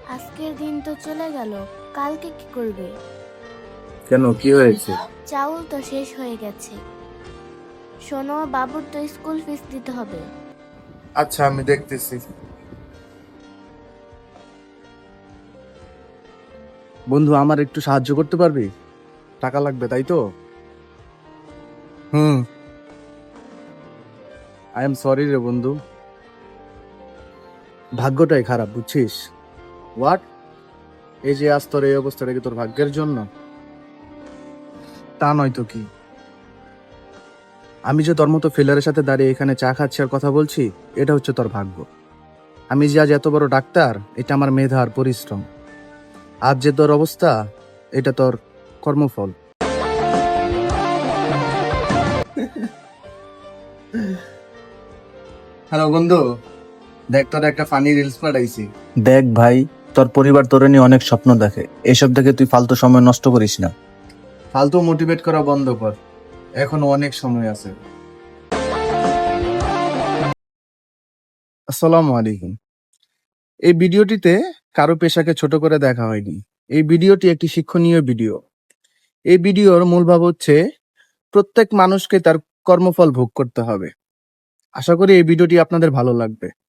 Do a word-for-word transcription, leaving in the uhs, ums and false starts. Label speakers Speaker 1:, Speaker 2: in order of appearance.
Speaker 1: আজকের দিন তো চলে গেল, কালকে কি করবে?
Speaker 2: কেন, কি হয়েছে?
Speaker 1: চাউল তো শেষ হয়ে গেছে। শোনো, বাবুর তো স্কুল ফিস দিতে হবে।
Speaker 2: আচ্ছা, আমি দেখতেছি। বন্ধু, আমার একটু সাহায্য করতে পারবি? টাকা লাগবে, তাই তো? হুম। আই এম সরি রে বন্ধু, ভাগ্যটাই খারাপ, বুঝছিস? হোয়াট? এই যে আজ তোর এই অবস্থাটা কি তোর ভাগ্যের জন্য? তা নয় তো কি। আমি যে তোর মতো ফিলারের সাথে দাঁড়িয়ে এখানে চা খাচ্ছি আর কথা বলছি, এটা হচ্ছে তোর ভাগ্য। আমি যে আজ এত বড় ডাক্তার, এটা আমার মেধা আর পরিশ্রম। আজ যে তোর অবস্থা, এটা তোর কর্মফল। হ্যালো বন্ধু, দেখ তোর একটা ফানি রিলস পাঠাইছি।
Speaker 3: দেখ ভাই, তোর পরিবার তোরে নিয়ে অনেক স্বপ্ন দেখে। এসব দেখে তুই ফালতু সময় নষ্ট করিস না।
Speaker 2: ফালতু মোটিভেট করা বন্ধ কর, এখনো অনেক সময় আছে। আসসালামু আলাইকুম। এই ভিডিওটিতে কারো পেশাকে ছোট করে দেখা হয়নি। এই ভিডিওটি একটি শিক্ষণীয় ভিডিও। এই ভিডিওর মূল ভাব হচ্ছে প্রত্যেক মানুষকে তার কর্মফল ভোগ করতে হবে। আশা করি এই ভিডিওটি আপনাদের ভালো লাগবে।